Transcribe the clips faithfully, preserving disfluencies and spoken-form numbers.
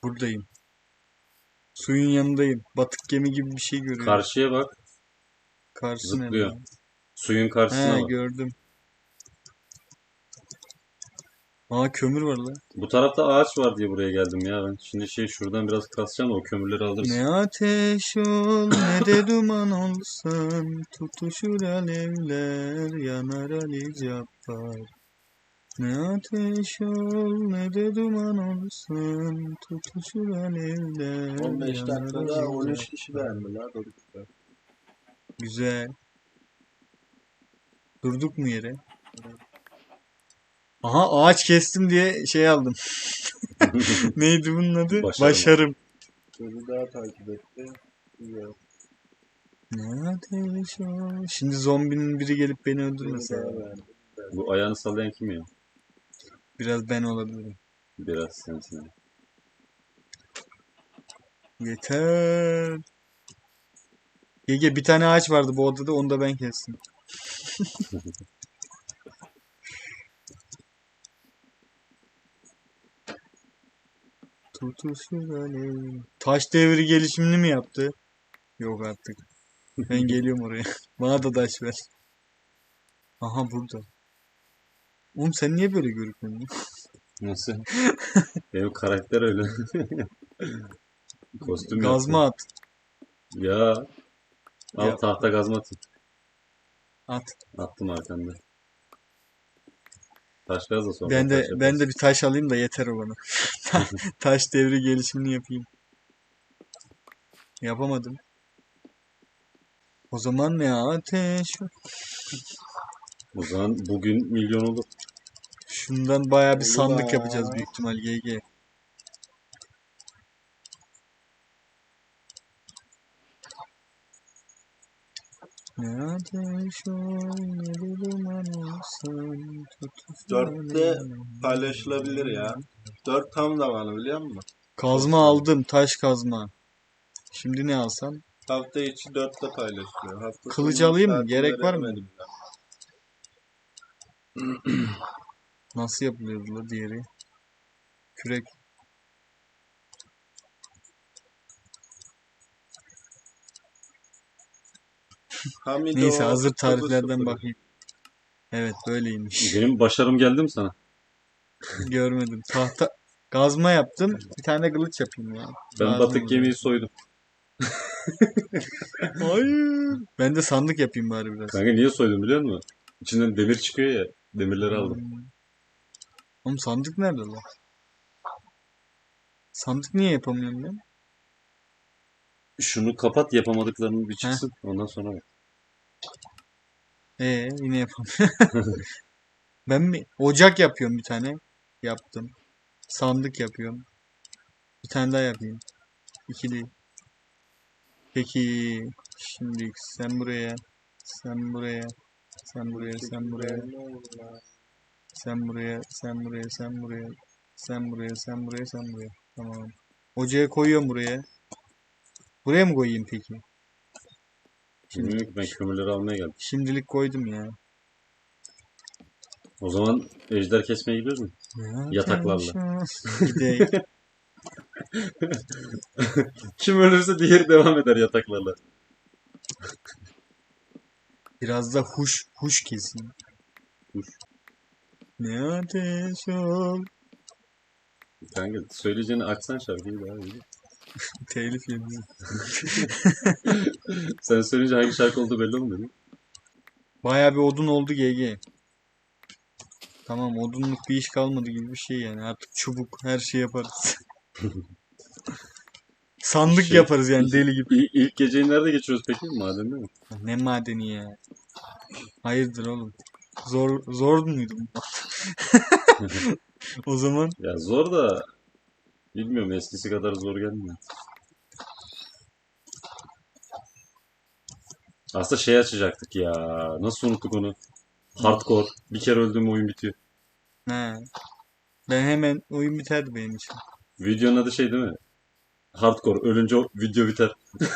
Buradayım. Suyun yanındayım. Batık gemi gibi bir şey görüyorum. Karşıya bak. Karşı nerede? Zıplıyor. Suyun karşısına He bak. gördüm. Aa kömür var lan. Bu tarafta ağaç var diye buraya geldim ya ben. Şimdi şey şuradan biraz kasacağım da o kömürleri alırız. Ne ateş ol ne de duman olsun. Tutuşur alevler yanar Ali Cabbar. Ne ateş ol ne de duman olsun. Tutuşur alevler on beş yanar dakikada Ali on üç Cabbar. kişi beğendi la Doruk'ta. Güzel. Durduk mu yere? Aha ağaç kestim diye şey aldım. Neydi bunun adı? Başarım. Başarım. Beni daha takip etti. Güzel. Ne ateş ol. Şimdi zombinin biri gelip beni Beni öldürmese. daha beğendi. Bu ayağını sallayan kim ya? Biraz ben olabilirim. Biraz sensin. Yeter. Gege bir tane ağaç vardı bu odada onu da ben kestim. Tutuşur alev. Taş devri gelişimini mi yaptı? Yok artık. Ben geliyorum oraya. Bana da taş ver. Aha burada. Oğlum sen niye böyle görünüyorsun? Nasıl? Benim karakter öyle. Kostüm Gazma yaptım. at. Ya. Al Yap. tahta gazma atayım. At. Attım arkanda. Taş gaz da sonra Ben taş de yaparız. ben de bir taş alayım da yeter o bana. Taş devri gelişimini yapayım. Yapamadım. O zaman ne ateş? O zaman bugün milyon olur. Şundan bayağı bir Oldu sandık da. yapacağız büyük ihtimal G G. Ne ateş ol ne de duman olsun. Tutuşur Dörtte alevler. paylaşılabilir ya. Dört tam zamanı biliyor musun? Kazma aldım. Taş kazma. Şimdi ne alsam? Hafta içi dörtte paylaşılıyor. Hafta Kılıç sonu alayım mı? saatini Gerek var mı? veremedim ya. Nasıl yapılıyordu la diğeri? Kürek. Hamido Neyse hazır kırk dokuz tariflerden sıfır. bakayım. Evet böyleymiş. Benim başarım geldi mi sana? Görmedim. Tahta kazma yaptım. Bir tane de kılıç yapayım ya. Ben Lazım batık olur gemiyi belki. soydum. Hayır. Ben de sandık yapayım bari biraz. Kanka niye soydum biliyor musun? İçinden demir çıkıyor ya. Demirleri aldım. Hmm. Oğlum sandık nerede lan? Sandık niye yapamıyorum ben? Şunu kapat yapamadıklarını bir Heh. çıksın. Ondan sonra bak. Ee yine yapamıyorum. Ben mi? Ocak yapıyorum bir tane. Yaptım. Sandık yapıyorum. Bir tane daha yapayım. İkili. Peki. Şimdi sen buraya. Sen buraya. Sen buraya. Sen buraya. Sen buraya. Sen buraya. Sen buraya. Sen buraya. Sen buraya. Sen buraya. Tamam. Ocağa koyuyorum buraya. Buraya mı koyayım peki? Şimdi, Bilmiyorum ki ben kömürleri almaya geldim. şimdilik koydum ya. O zaman ejder kesmeye gidiyoruz mu? Yataklarla. Gidelim. Kim ölürse diğeri devam eder yataklarla. Biraz da huş huş kesin. Huş. Ne ateş ol. Kanka söyleyeceğini açsan şarkıyı daha iyi. Telif yedim. Sen söyleyince hangi şarkı olduğu belli olmuyor değil mi? Bayağı bir odun oldu G G. Tamam odunluk bir iş kalmadı gibi bir şey yani. Artık çubuk her şey yaparız. Sandık Şey, yaparız yani deli gibi. İlk, ilk geceyi nerede geçiriyoruz peki? Madende mi? Ne madeni ya. Hayırdır oğlum. Zor zor muydu bu? O zaman Ya zor da bilmiyorum eskisi kadar zor gelmiyor. Aslında şey açacaktık ya. Nasıl unuttuk onu? Hardcore. Bir kere öldüğüm oyun bitiyor. he. Ben hemen oyun biterdi benim için. Videonun adı şey değil mi? Hardcore. Ölünce o video biter.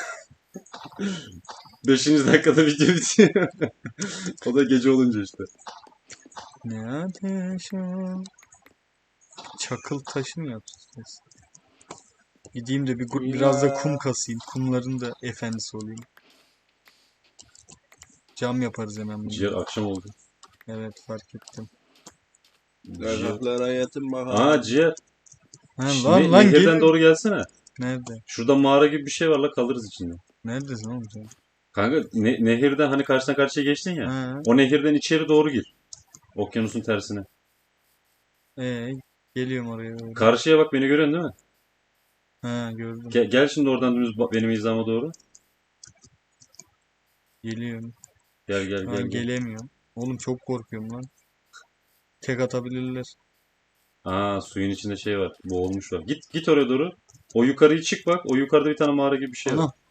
Beşinci dakikada video bitiyor. O da gece olunca işte. Ne ateş ol. Çakıl taşı mı yapacağız? Gideyim de bir gu- biraz da kum kasayım. Kumların da efendisi olayım. Cam yaparız hemen Ciğer bunu. akşam oldu. Evet, fark ettim. Ciğer. Yataklara yatın bakalım. Aa ciğer. Ha, Şş, lan ne- lan nehirden geliyor. doğru gelsene. Nerede? Şurada mağara gibi bir şey var la, kalırız içinde. Neredesin oğlum sen? Kanka ne- nehirden hani karşıdan karşıya geçtin ya. Ha, O nehirden içeri doğru gir. Okyanusun tersine. ee, geliyorum oraya doğru. Karşıya bak, beni görüyorsun değil mi? Ha, gördüm. Gel, gel şimdi oradan dümdüz ba- benim hizama doğru. Geliyorum. Gel gel Şu gel an gel. gelemiyorum. Oğlum çok korkuyorum lan. Tek atabilirler. Aa, suyun içinde şey var. Boğulmuş var. Git git oraya doğru. O yukarıyı çık bak. O yukarıda bir tane mağara gibi bir şey var. Ana.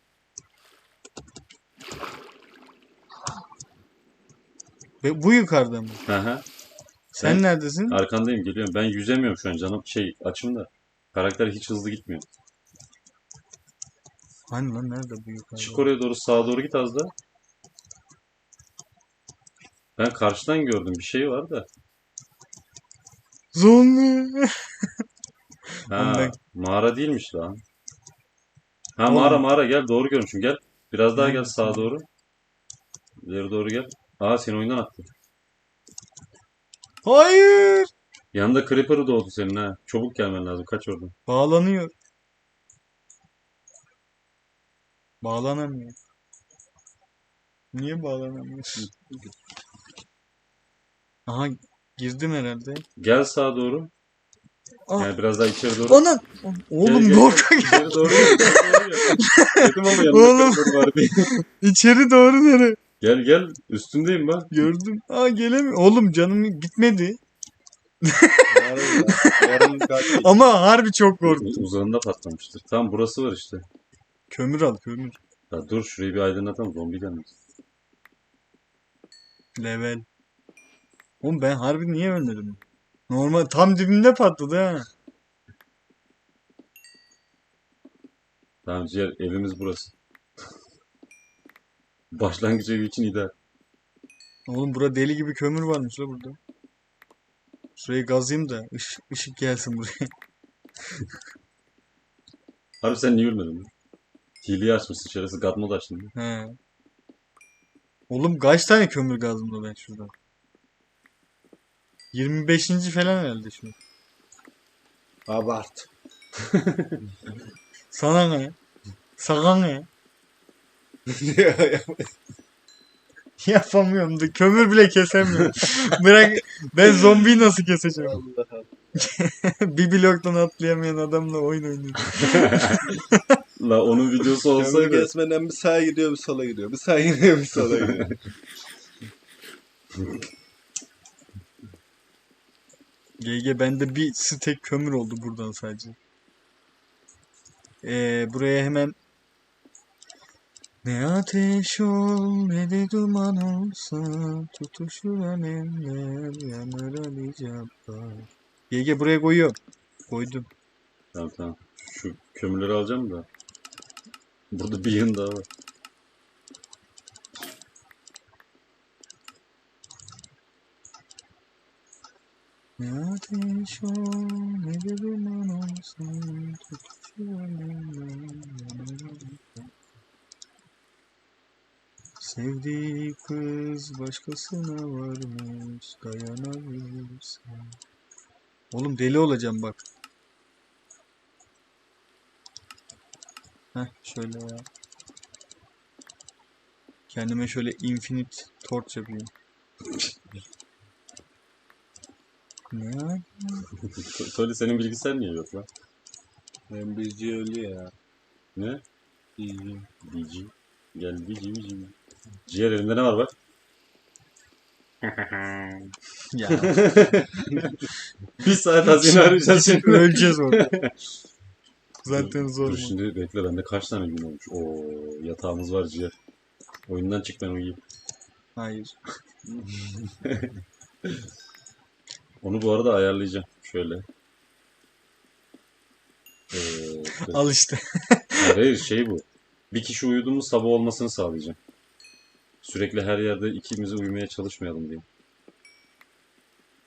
Ve bu yukarıda mı? Hı hı. Sen Ben- neredesin? Arkandayım, geliyorum. Ben yüzemiyorum şu an canım. Şey açım da. Karakter hiç hızlı gitmiyor. Hani lan nerede bu yukarıda? Çık oraya doğru, sağa doğru git az da. Ben karşıdan gördüm, bir şey var da. Zombi. Ha, Oğlum ben- mağara değilmiş lan. Ha, Oğlum. mağara mağara, gel doğru görmüşüm, gel. Biraz daha gel Neredesin? sağa doğru. İleri doğru gel. Aa, seni oyundan attı. Hayır. Yanında Creeper doğdu senin ha. Çabuk gelmen lazım, kaç oradan. Bağlanıyor. Bağlanamıyor. Niye bağlanamıyor? Aha, girdim herhalde. Gel sağa doğru. Ah. Yani biraz daha içeri doğru. Anam. Oğlum Gel, gel, Dorka gel. İçeri doğru gel. Doğru gel. Dedim ama yanında Oğlum. Creeper var diye. İçeri doğru nere? Gel gel, üstündeyim ben. Gördüm. Aa, gelemiyor. Oğlum canım gitmedi. Yarın da. Yarın kaç. Ama harbi çok korktum. U- Uzağında patlamıştır. Tamam, burası var işte. Kömür al kömür. Ya dur, şurayı bir aydınlatalım, zombi gelmez. Level. Oğlum ben harbi niye ölmedim? Normal tam dibinde patladı ha. Tamam ciğer, evimiz burası. Başlangıç evi için ideal. Oğlum bura deli gibi kömür varmış la burada. Şurayı gazayım da ışık, ışık gelsin buraya. Harbi sen niye ölmedin lan? Hileyi açmışsın, şerefsiz God mode açtın. He. Oğlum kaç tane kömür gazım da ben şurada? yirmi beşinci falan herhalde şu. Abart. Sana ne? Sana ne? Yapamıyorum da kömür bile kesemiyorum. Bırak, ben zombiyi nasıl keseceğim? Allah Allah. Bir bloktan atlayamayan adamla oyun oynuyorum. La onun videosu Kömür olsaydı. kesmeden bir sağa gidiyor bir sola gidiyor. Bir sağa gidiyor bir sola gidiyor. G G bende bir stek kömür oldu buradan sadece. Ee, buraya hemen ne ateş ol ne de duman olsa tutuşur alemler yanar Ali Cabbar. G G buraya koyuyorum. Koydum. Tamam tamam. Şu kömürleri alacağım da. Burada bir yığın daha var. Ne ateş ol ne de duman olsa tutuşur alemler yanar Ali Cabbar. Sevdiği kız başkasına varmış dayanabilirsen. Oğlum deli olacağım bak. Heh şöyle ya. Kendime şöyle infinite torch yapayım. Ne ya? Söyle, senin bilgisayar niye yok lan? Ben bilgi ölü ya. Ne? İyi. Bici. Gel bici bici. Ciğer, elinde ne var bak? Ya Bir saat hazine arayacağız şimdi. öleceğiz orada. Zaten zor Dur mu? şimdi bekle, bende kaç tane gün olmuş. Oo, yatağımız var ciğer. Oyundan çık, ben uyuyayım. Hayır. Onu bu arada ayarlayacağım. Şöyle. Ee, dur. Al işte. Hayır, hayır, şey bu. Bir kişi uyudu mu sabah olmasını sağlayacağım. Sürekli her yerde ikimiz uyumaya çalışmayalım diye.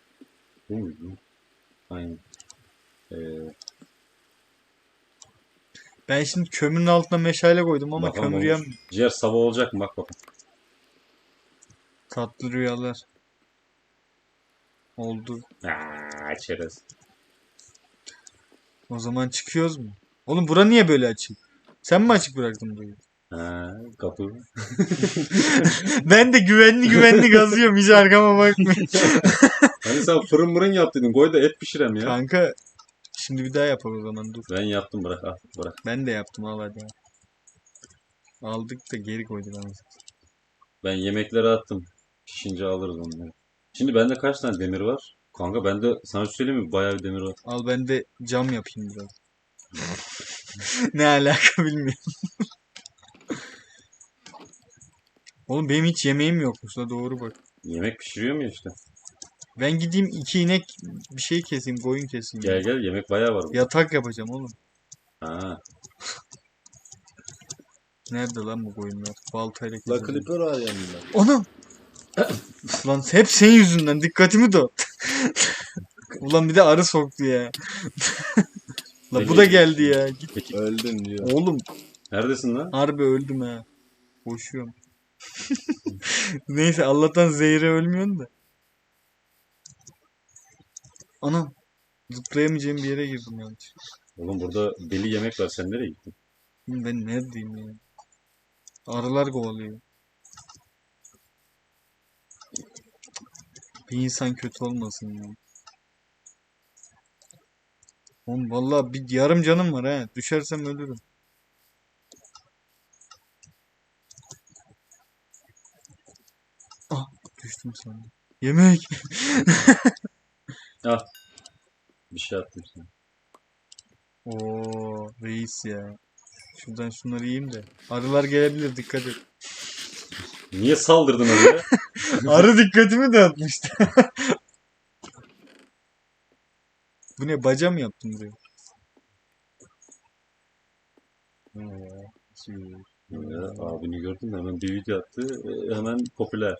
Bu muydu? Aynen. Ee, Ben şimdi kömürün altına meşale koydum ama Bakalım kömür olmuş. yan. Ciğer sabah olacak mı? Bak bakalım. Tatlı rüyalar. Oldu. Aaa çerez. O zaman çıkıyoruz mu? Oğlum bura niye böyle açık? Sen mi açık bıraktın burayı? Ha, kapı. Ben de güvenli güvenli gazıyorum. Hiç arkama bakmıyorum. Hani sen fırın mırın yaptıydın. Koy da et pişirem ya. Kanka şimdi bir daha yapalım o zaman dur. Ben yaptım, bırak al bırak. Ben de yaptım al hadi. Aldık da geri koyduk anasını. Ben yemekleri attım. Pişince alırız onları. Şimdi bende kaç tane demir var? Kanka bende sana bir söyleyeyim mi? Bayağı bir demir var. Al ben de cam yapayım biraz. Ne alaka bilmiyorum. Oğlum benim hiç yemeğim yokmuş la doğru bak. Yemek pişiriyor mu işte? Ben gideyim iki inek bir şey keseyim, koyun keseyim. Gel gel, yemek bayağı var burada. Yatak yapacağım oğlum. Ha. Nerede lan bu koyunlar? Baltayla La keseceğim. Clipper var yanında. Anam! Lan hep senin yüzünden dikkatimi dağıt. Ulan bir de arı soktu ya. La bu da geldi ya. Git. Peki Öldün diyor. Oğlum neredesin lan? harbi öldüm ha. Koşuyorum. Neyse Allah'tan zehre ölmüyorsun da. Anam. Zıplayamayacağım bir yere girdim yanlış. Oğlum burada deli yemek var, sen nereye gittin? Ben neredeyim ya? Arılar kovalıyor. Bir insan kötü olmasın ya. Oğlum vallahi bir yarım canım var ha. Düşersem ölürüm. Ah düştüm sandım. Yemek. Ah. Bir şey attım sana. Oo reis ya. Şuradan şunları yiyeyim de. Arılar gelebilir dikkat et. Niye saldırdın oraya? Arı dikkatimi dağıtmıştı. Bu ne baca mı yaptın buraya? Ya, abini gördün mü? Hemen bir video attı. e, Hemen popüler.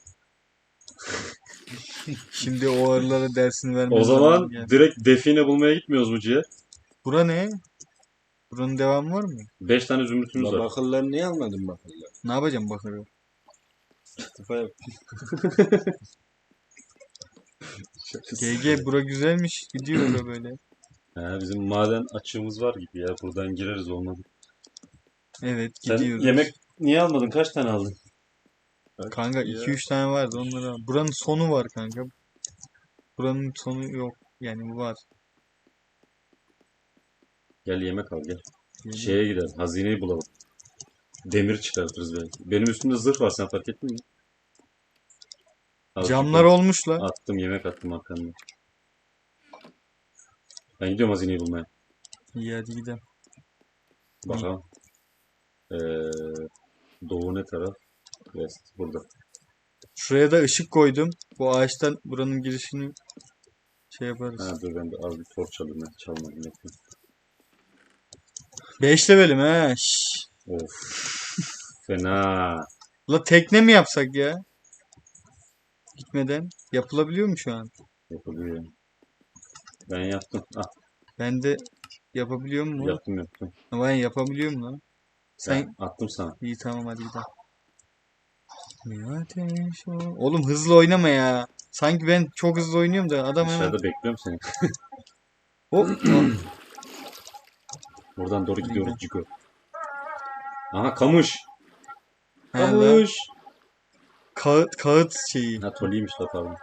Şimdi o arılara dersini vermem O zaman geldi. direkt define bulmaya gitmiyoruz mu ciğer? Bura ne? Buranın devamı var mı? Beş tane zümrütümüz La var. bakırları niye almadın bakırları? Ne yapacağım bakalım. İstifa yap. G G bura güzelmiş. Gidiyor bura böyle. Ha, bizim maden açığımız var gibi ya. Buradan gireriz olmadı. Evet Sen gidiyoruz. yemek niye almadın? Kaç tane aldın? Kanka iki üç tane vardı onları al. Buranın sonu var kanka. Buranın sonu yok. Yani var. Gel yemek al gel. Yani Şeye gidelim. Hazineyi bulalım. Demir çıkartırız belki. Benim üstümde zırh var, sen fark ettin mi? Azıcık camlar var. olmuş la. Attım, yemek attım arkamda. Ben gidiyorum hazineyi bulmaya. İyi hadi gidelim. Bakalım. Ee, doğu ne taraf? West. Burada. Şuraya da ışık koydum. Bu ağaçtan buranın girişini şey yaparız. Ha, dur ben de az bir torç alayım. Ben çalmadım. Bekle. beş levelim he. Şşş. Of. Fena. La tekne mi yapsak ya? Gitmeden. Yapılabiliyor mu şu an? Yapılıyor. Ben yaptım. Ah, Ben de yapabiliyor mu? yaptım yaptım. Ama ben yapabiliyorum lan. Sen Ben attım sana. iyi tamam hadi gidelim. Bir ateş ol- Oğlum hızlı oynama ya. Sanki ben çok hızlı oynuyorum da adam hemen Dışarıda bekliyorum seni. hop. Buradan doğru gidiyoruz Cigo. Aha kamış. He lan. Kamış. Kağıt, kağıt şeyi. Ha toliymiş la, pardon.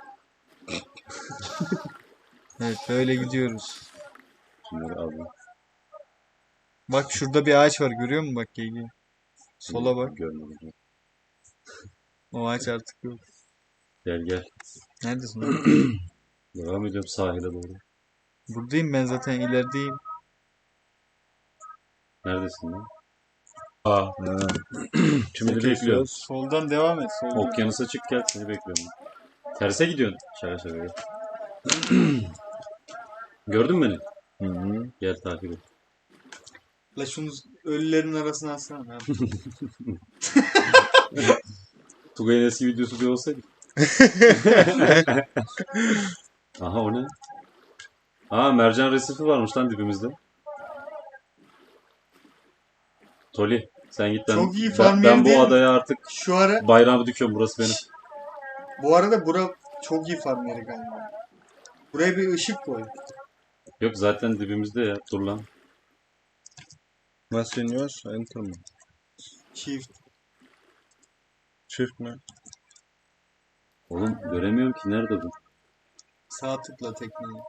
Evet böyle gidiyoruz. Şunları aldım. Bak şurada bir ağaç var görüyor musun bak Gegi? Sola bak. Görmedim. O ağaç artık yok. Gel gel. Neredesin lan? Devam ediyorum sahile doğru. Buradayım ben zaten ilerideyim. Neredesin lan? Aa. Şimdi bekliyorum. Soldan devam et. Soldan. Okyanusa çık gel, seni bekliyorum. Terse gidiyorsun. Şaka şaka gel. Gördün mü beni? Hı hı. Gel takip et. La şunu ölülerin arasına alsana. abi. Tugay'ın eski videosu bir olsaydı. Aha o ne? Aa, mercan resifi varmış lan dibimizde. Toli sen git ben, Çok iyi ben, farm ben yeri değil bu mi? adaya artık Şu ara bayrağımı dikiyorum, burası benim. bu arada bura çok iyi farm yeri galiba. Buraya bir ışık koy. Yok zaten dibimizde ya, dur lan. Nasıl iniyoruz? Enter mı? Çift. Çift mi? Oğlum göremiyorum ki, nerede bu? Sağ tıkla tekneyi.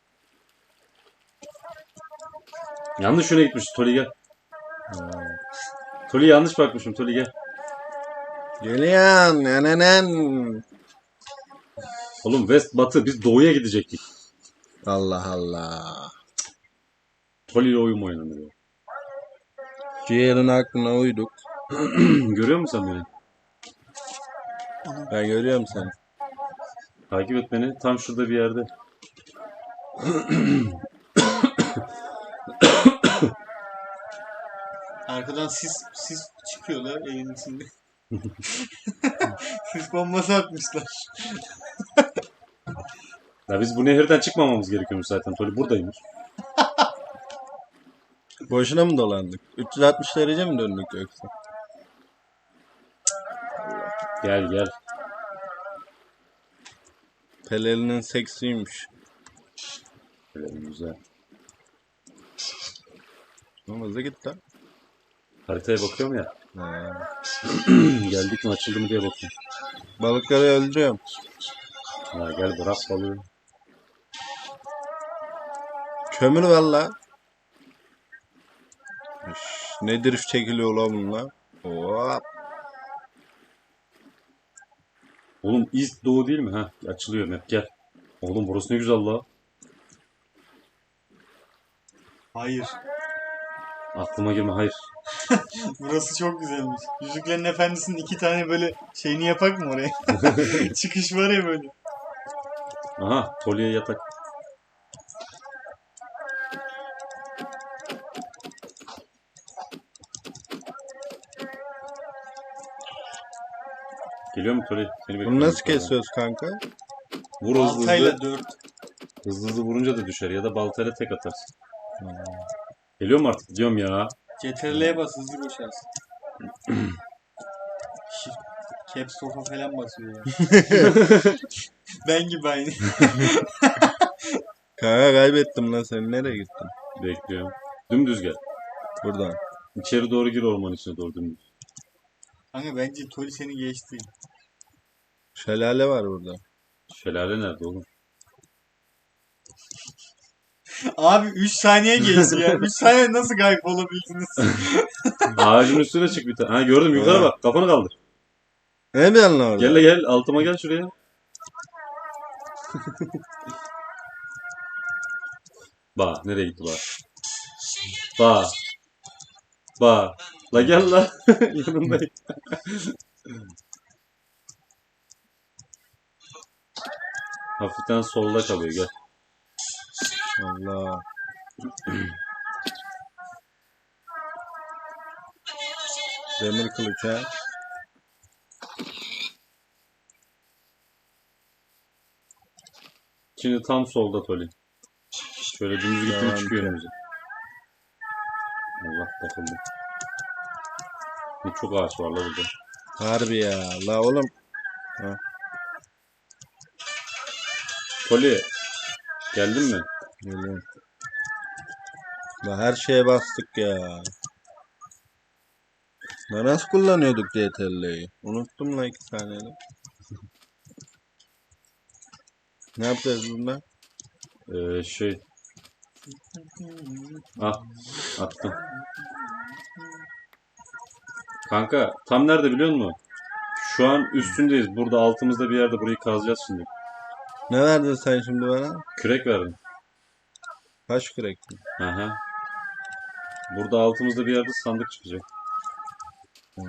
Yanlış yöne gitmiş Toli, gel. Ha. Toli yanlış bakmışım, Toli gel. Geliyan. Nenenen. Oğlum west batı, biz doğuya gidecektik. Allah Allah. Toli ile oyun mu oynanır ya? Ciğerin aklına uyduk. Görüyor musun sen beni? Ben görüyorum seni. Takip et beni, tam şurada bir yerde. Arkadan sis sis çıkıyorlar evin içinde. Sis bombası atmışlar. Ya biz bu nehirden çıkmamamız gerekiyormuş zaten, Toli buradaymış. Boşuna mı dolandık? üç yüz altmış derece mi döndük yoksa? Gel gel. Pelerin'in seksiymiş. Böyle güzel. Ama hızlı git lan. Haritaya bakıyorum ya. Ha. Geldik mi, açıldı mı diye bakıyorum. Balıkları öldürüyorum. Ha, gel bırak balığı. Kömür var la. Üş, ne drift çekiliyor la bunlar? Hop. Oğlum east doğu değil mi? Ha, açılıyor map, gel. Oğlum burası ne güzel la. Hayır. Aklıma girme, hayır. Burası çok güzelmiş. Yüzüklerin Efendisi'nin iki tane böyle şeyini yapak mı oraya? Çıkış var ya böyle. Aha, Toli'ye yatak. Geliyor mu Toli? Seni Bunu bekliyorum nasıl yukarıda. kesiyoruz kanka? Vur hızlı Baltayla hızlı. dört. Hızlı hızlı vurunca da düşer ya da baltayla tek atarsın. Geliyor mu artık? Gidiyorum ya. C T R L'ye bas hızlı koşarsın. Shift, Caps Lock'a falan basıyor ya. Ben gibi aynı. Kanka kaybettim lan, sen nereye gittin? Bekliyorum. Dümdüz gel. Buradan. İçeri doğru gir, orman içine doğru dümdüz. Kanka bence Tori seni geçti. Şelale var burada. Şelale nerede oğlum? Abi üç saniye geçti ya. üç saniye nasıl kayıp olabildiniz? Ağacın üstüne çık bir tane. Ha gördüm, yukarı bak. Kafanı kaldır. Ne diyorsun lan orada? Gel de gel. Altıma gel şuraya. Bak nereye gitti bak. Bak. Bak. La gel la. Yanındayım. Hafiften solda kalıyor, gel. Allah. Demir kılıç ha. Şimdi tam solda Toli. Şöyle dümdüz gitti mi Tamam, çıkıyor tamam. önümüze. Allah takıldı. Ne çok ağaç var la burada. Harbi ya. La oğlum. Toli. Geldin mi? Geliyorum. La her şeye bastık ya. La nasıl kullanıyorduk C T R L'yi? Unuttum la iki saniyede. Ne yapacağız bunda? Ee, şey. Ah. Attım. Kanka tam nerede biliyor musun? Şu an üstündeyiz. Burada altımızda bir yerde, burayı kazacağız şimdi. Ne verdin sen şimdi bana? Kürek verdim. Kaç kürek? Aha. Burada altımızda bir yerde sandık çıkacak. Hmm.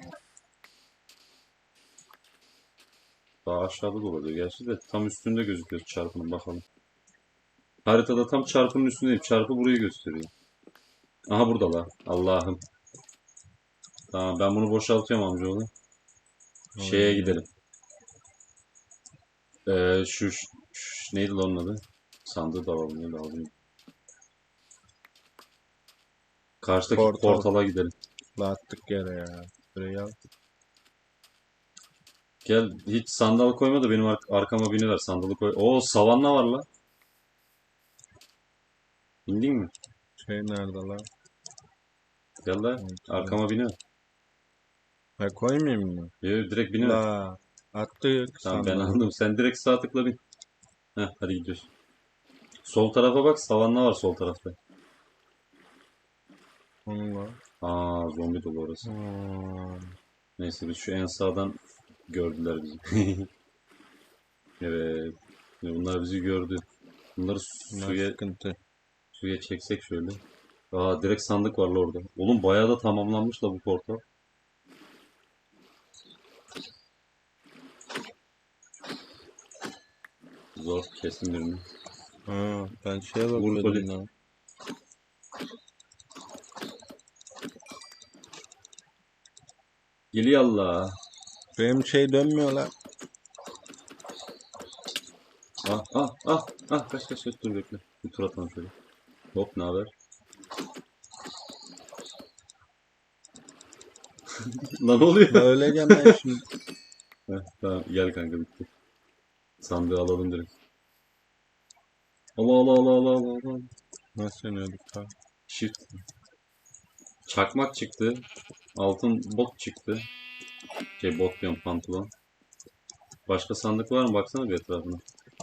Daha aşağıda da olabilir gerçi de. Tam üstünde gözüküyor çarpının, bakalım. Haritada tam çarpının üstündeyim. Çarpı burayı gösteriyor. Aha burada la. Allah'ım. Tamam, ben bunu boşaltıyorum amcaoğlu. Şeye gidelim. Ee, şu, şu, şu neydi lan onun adı? Sandığı da alalım. Neydi alalım. Karşıdaki Portal. portala gidelim. La attık yere ya. Buraya al. Gel hiç sandal koyma da benim ar- arkama biniver sandalı koy. Oo savanna var la. İndin mi? Şey nerede lan? Gel la arkama biniver. Ha koymayayım mı? Yo, direkt biniver. La attık Tamam ben sandalı. anladım. Sen direkt sağ tıkla bin. Heh hadi gidiyoruz. Sol tarafa bak savanna var sol tarafta. Onunla. Aa zombi dolu orası. Hmm. Neyse biz şu en sağdan gördüler bizi. Evet. Şimdi bunlar bizi gördü. Bunları Bunlar suya sıkıntı. suya çeksek şöyle. Aa direkt sandık var la orada. Oğlum bayağı da tamamlanmış la bu portal. Zor kesin birini. Ha, ben şeye Vur bakıyordum Koli. lan. Geliyor Allah. Benim şey dönmüyor lan. Ah ah ah ah kaç kaç kaç dur bekle. Bir tur atalım şöyle. Hop ne haber? Lan ne oluyor? La öleceğim ben şimdi. Heh, tamam gel kanka bitti. Sandığı alalım direkt. Allah Allah Allah Allah Allah Allah. Nasıl yeniyorduk lan? Shift. Çakmak çıktı. Altın bot çıktı. Şey bot diyorum pantolon. Başka sandık var mı? Baksana bir etrafına.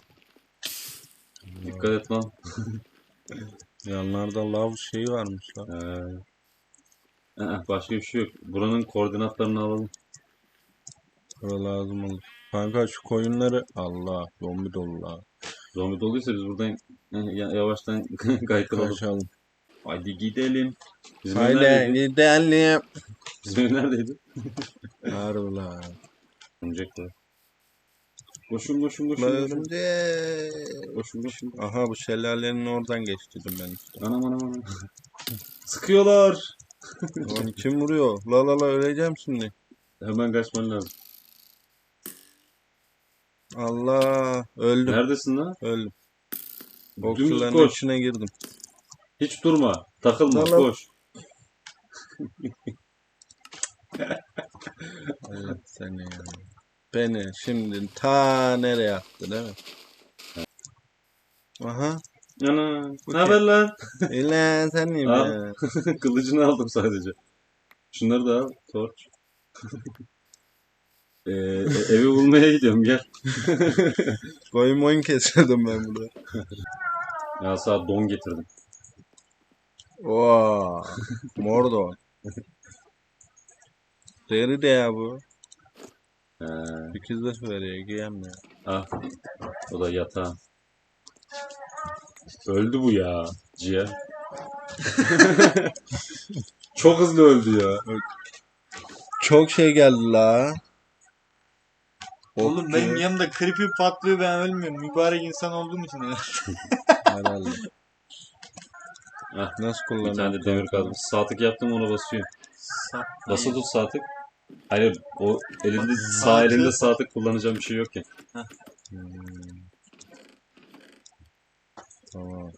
Dikkat et lan. Yanlarda lav şeyi varmış lan. Ee, ee, başka bir şey yok. Buranın koordinatlarını alalım. Bura lazım olur. Kanka şu koyunları Allah zombi dolu la. Zombi doluysa biz buradan eh, ya- yavaştan kaykılalım. Kaçalım. Hadi gidelim. Bizim ev Haydi neredeydi? gidelim. Bizim ev neredeydi? Harbi la. Örümcekler. Koşun koşun koşun. La koşun. örümcek. Koşun koşun. Aha bu şelalenin oradan geçtim ben işte. Anam anam anam. Sıkıyorlar. Lan kim vuruyor? La la la öleceğim şimdi. Hemen kaçman lazım. Allah öldüm. Neredesin lan? Öldüm. Dümdüz Okçuların koş. içine girdim. Hiç durma. Takılma. Lan lan. Koş. Allah seni ya. Beni şimdi ta nereye attı değil mi? Aha. Ana. Bu Ne haber lan? İlan senim Al. ya. Kılıcını aldım sadece. Şunları da al. Torç. Ee, e- evi bulmaya gidiyorum gel. Koyun moyun kesiyordum ben burada. Ya sana don getirdim. Oo. Mordo. Deri de ya bu. Ee, sekiz de veriyor giyemiyor. ah. O da yatağın. Öldü bu ya. Ciğer. Çok hızlı öldü ya. Çok şey geldi la. Oğlum Okçu. benim yanımda creeper patlıyor ben ölmüyorum. Mübarek insan olduğum için öyle. Herhalde. Ah, Nasıl Bir kullanıyor? tane de demir kaldı. Sağ tık yaptım ona basıyor. Sa- Basılı tut sağ tık. Hayır o elinde Bak, sağ sağ elinde tık. sağ tık kullanacağım bir şey yok ya. Hmm. Tamam.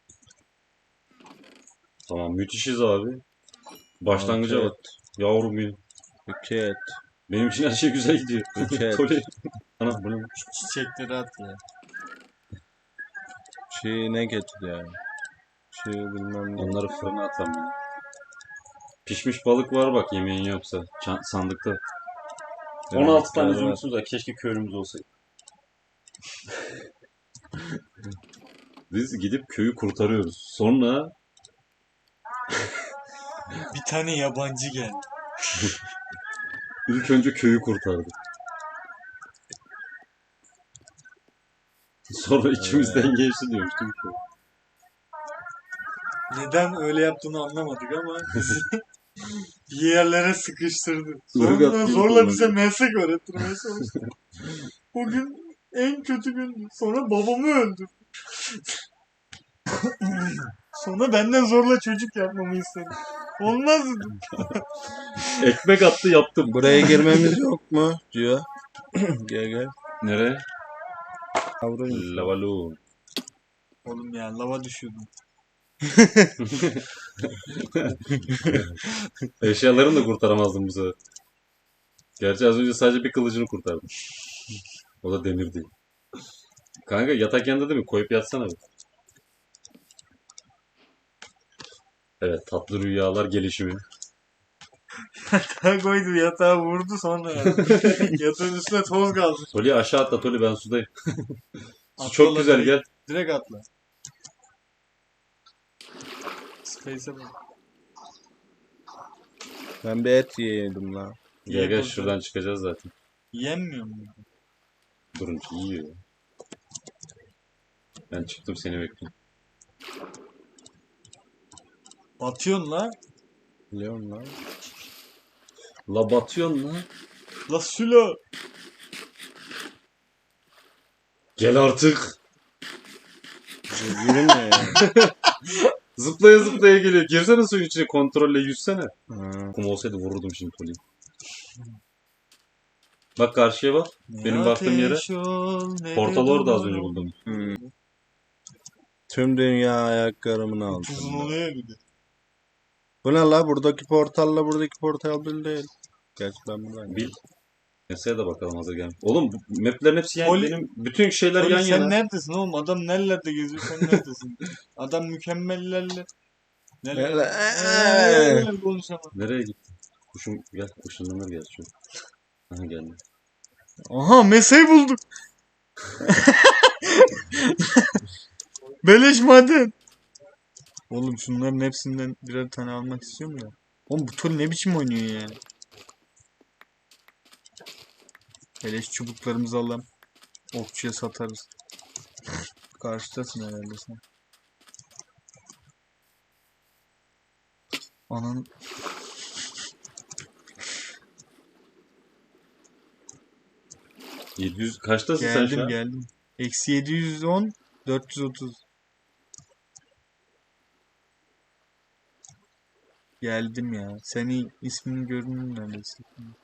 Tamam müthişiz abi. Başlangıca Altı bak. Yavrum benim. İki et. Benim için her şey güzel gidiyor. Evet. Toley. Ana bu ne? Şu çiçekleri at ya. Şey ne getir ya? Şey bilmem ne. Onları fırına atalım. ya. Pişmiş balık var bak yemeğin yoksa. Çan- sandıkta. on altı tane Yemekler var. zümrütümüz var. Keşke köylümüz olsaydı. Biz gidip köyü kurtarıyoruz. Sonra Bir tane yabancı geldi. ilk önce köyü kurtardık. Sonra içimizden geçti diyormuştum. Neden öyle yaptığını anlamadık ama bizi bir yerlere sıkıştırdı. Irgat Sonra gibi zorla kullandı. bize meslek öğrettirmeye çalıştı. O gün en kötü gündü. Sonra babamı öldürdü. Sonra benden zorla çocuk yapmamı istedi. Olmaz dedim. Ekmek attı yaptım. Buraya girmemiz yok mu? Diyor. Gel gel. Nereye? Yavrum. Lavalu. Oğlum ya lava düşüyordum. Eşyalarını da kurtaramazdım bu sefer. Gerçi az önce sadece bir kılıcını kurtardım. O da demir değil. Kanka yatak yanında değil mi? Koyup yatsana bir. Evet, tatlı rüyalar gelişimi. Yatağa koydu, yatağa vurdu sonra. Yatağın üstüne toz kaldı. Toli aşağı atla Toli, ben sudayım. Su Atla çok lan güzel, direkt. gel. Direkt atla. Space'e bak. Ben bir et yedim lan. Gel İyi gel, burada. şuradan çıkacağız zaten. Yenmiyor mu? Durun ki yiyor. Ben çıktım, seni bekliyorum. Batıyorsun la. Biliyorum lan. La batıyorsun lan. La Sülo. Gel artık. Yürüme ya. Zıplaya zıplaya geliyor. Girsene suyun içine, kontrolle yüzsene. Ha. Kum olsaydı vururdum şimdi Toli'yi. Bak karşıya bak. Benim baktığım yere. Portal orada az önce buldum. Hmm. Tüm dünya ayaklarımın Uzun altında. oluyor bir de. Bu ne la? Buradaki portalla buradaki portal bir değil. Gerçi ben buradan Bil. Mesele de bakalım hazır gelmiş. Oğlum bu maplerin hepsi yan, Poli- benim bütün şeyler Oğlum yan sen yana. neredesin oğlum? Adam nerelerde geziyor, sen neredesin? Adam mükemmellerle. Neler? Neler konuşamam. Nereye gittin? Kuşum gel, ışınlanır gel şu. Aha geldi. Aha mesai bulduk. Beleş maden. Oğlum şunların hepsinden birer tane almak istiyorum da. Oğlum bu tur ne biçim oynuyor yani? Beleş çubuklarımızı alalım. Okçuya satarız. Karşıdasın herhalde sen. Anan yedi yüz kaçtasın sen şu geldim an? geldim. Eksi yedi yüz on, dört yüz otuz. Geldim ya. Senin ismini gördüm neredeyse.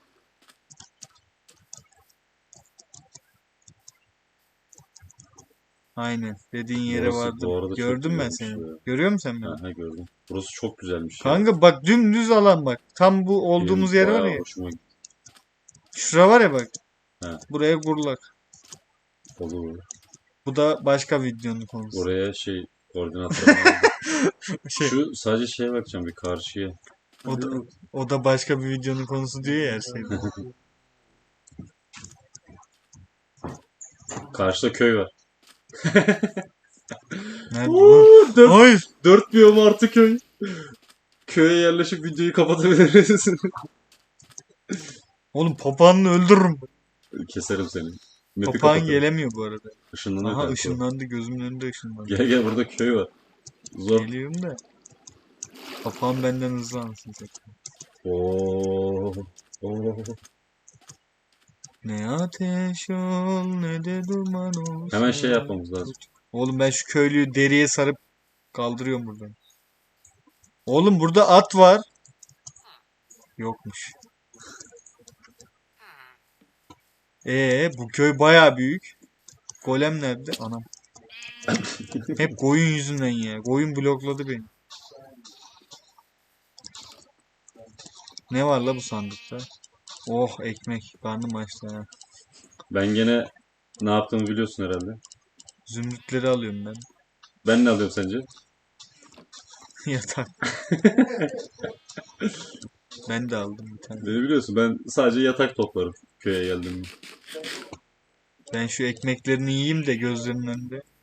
Aynen. Dediğin yere Burası vardım. bu arada çok Gördüm ben güzelmiş seni. ya. Görüyor musun sen beni? Aha gördüm. Burası çok güzelmiş ya. Kanka bak dümdüz alan bak. Tam bu olduğumuz Benim yer var bayağı ya. hoşuma gitti. Şura var ya bak. He. Buraya kurulak. Olur. Bu da başka videonun konusu. Oraya şey koordinatları aldım. Şey, Şu sadece şeye bakacağım bir karşıya. o da, o da başka bir videonun konusu diyor ya her şeyde. Karşıda köy var. Nerede lan? Uuu, dört, Hayır. dört biyom artı köy. Köye yerleşip videoyu kapatabiliriz. Oğlum papağanını öldürürüm. Keserim seni. Map'i Papağan kapatırım. gelemiyor bu arada. Işınlanıyor Aha kanka. ışınlandı. Gözümün önünde ışınlandı. Gel gel, burada köy var. Zor. Geliyorum da. Papağan benden hızlı anasını satayım. Oo. Oo. Ne ateş ol ne de duman ol. Hemen şey yapmamız lazım. Oğlum ben şu köylüyü deriye sarıp kaldırıyorum buradan. Oğlum burada at var. Yokmuş. Ee bu köy baya büyük. Golem nerede? Anam. Hep koyun yüzünden ya. Koyun blokladı beni. Ne var la bu sandıkta? Oh ekmek. Karnım açtı ha. Ben gene ne yaptığımı biliyorsun herhalde. Zümrütleri alıyorum ben. Ben ne alıyorum sence? Yatak. Ben de aldım bir tane. Beni biliyorsun, ben sadece yatak toplarım köye geldiğimde. Ben şu ekmeklerini yiyeyim de gözlerinin önünde.